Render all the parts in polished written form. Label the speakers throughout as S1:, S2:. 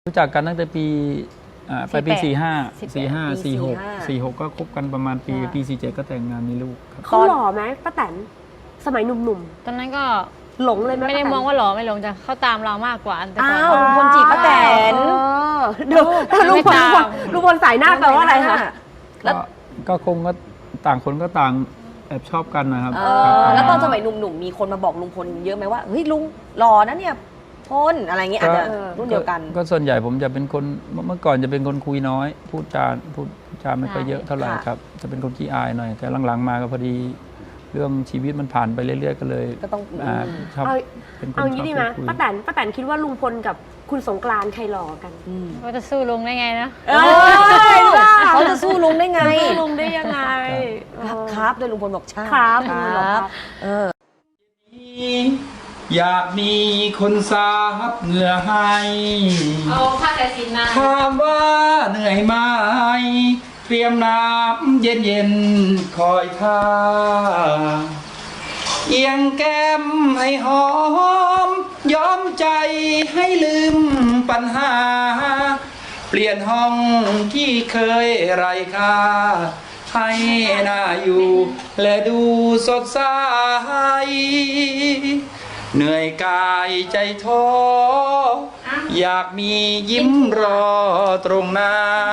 S1: รู้จักกันตั้งแต่ปีไปปี45 46ก็คบกันประมาณปี47ก็แต่งงานมีลูกครับ
S2: เขาหล่อไหมป้าแตนสมัยหนุ่ม
S3: ตอนนั้นก็
S2: ๆหลงเลยไหม
S3: ไม่ได้มองว่าหล่อไม่หลงจะเข้าตามเรามากกว่าแต่ก่อน
S4: อ้าวลุงพลจีบป้าแตน
S2: เดี๋ยวลุงพลสายหน้าแปลว่าอะไรคะ
S4: แล้ว
S1: ก็คงก็ต่างคนก็ต่างแอบชอบกันนะครับ
S4: แล้วตอนสมัยหนุ่มๆมีคนมาบอกลุงพลเยอะไหมว่าเฮ้ยลุงหล่อนะเนี่ยพลอะไรเงี้ยอาจจะรุ่นเดียวกัน
S1: ก็ส่วนใหญ่ผมจะเป็นคนเมื่อก่อนจะเป็นคนคุยน้อย พูดจาไม่ค่อยเยอะเท่าไหร่ครับ จะเป็นคนขี้อายหน่อย แต่หลังๆมาก็พอดีเรื่องชีวิตมันผ่านไปเรื่อยๆก็เลย
S4: ก็ต้อง
S1: ชอบเป็นคน
S2: เอา
S1: ชอบ
S2: งี้ดีไหม
S1: คุย
S2: ป้าแตนคิดว่าลุงพลกับคุณสงกรานต์ใครหล่อกัน
S3: ก็จะสู้ลุงได้ไงนะ
S4: เขาจะสู้ลุงได้ไง
S2: สู้ลุงได้ยังไง
S4: ครับด้วยลุงพลบอกใช่
S2: ครับ
S1: อยากมีคนสาบเหงื่อให้
S3: เอาผ้าแต่สีนา
S1: ถามว่าเหนื่อยไหมเตรียมน้ำเย็นๆคอยท่าเอียงแก้มให้หอมยอมใจให้ลืมปัญหา เปลี่ยนห้องที่เคยไร้ค่าให้น่าอยู่และดูสดใสเหนื่อยกายใจท้ออยากมียิ้มรอตรงหน้า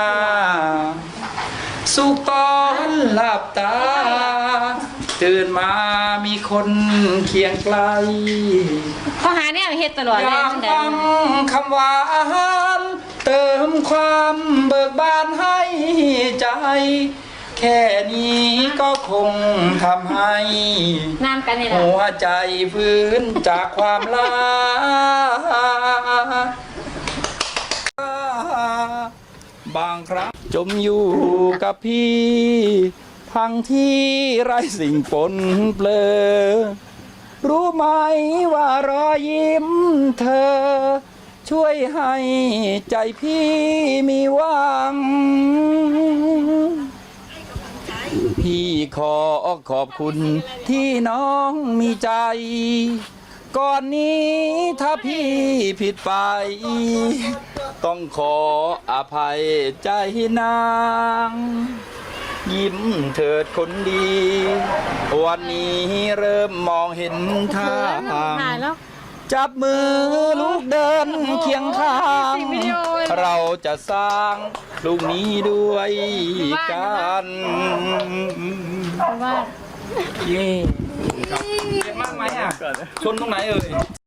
S1: สุขตอนหลับตาตื่นมามีคนเคียงไกล
S3: ข้อหาเนี่ยเฮ็ดตลอด
S1: อ
S3: เลย
S1: ยาก
S3: ตั้งแต่
S1: ฟังคำหวานเติมความเบิกบานให้ใจ แค่นี้ก็คงทำให้
S3: น้ำกันนี่แหละ
S1: หัวใจฟื้นจากความลาบางครั้งจมอยู่กับพี่ทั้งที่ไร้สิ่งปนเปลือรู้ไหมว่ารอยยิ้มเธอ ช่วยให้ใจพี่มีหวัง พี่ขอขอบคุณที่น้องมีใจ ก่อนนี้ถ้าพี่ผิดไป ต้องขออภัยใจนาง ยิ้มเถิดคนดี วันนี้เริ่มมองเห็นทาง
S3: ถ่ายแล้ว
S1: จับมือลูกเดินเคียงข้าง
S3: วิดีโอเลย
S1: เราจะสร้างลูกนี้ด้วยกัน
S3: ว่า
S1: เย่เจ็บมากไหมอ่ะ ชนตรงไหนเอ่ย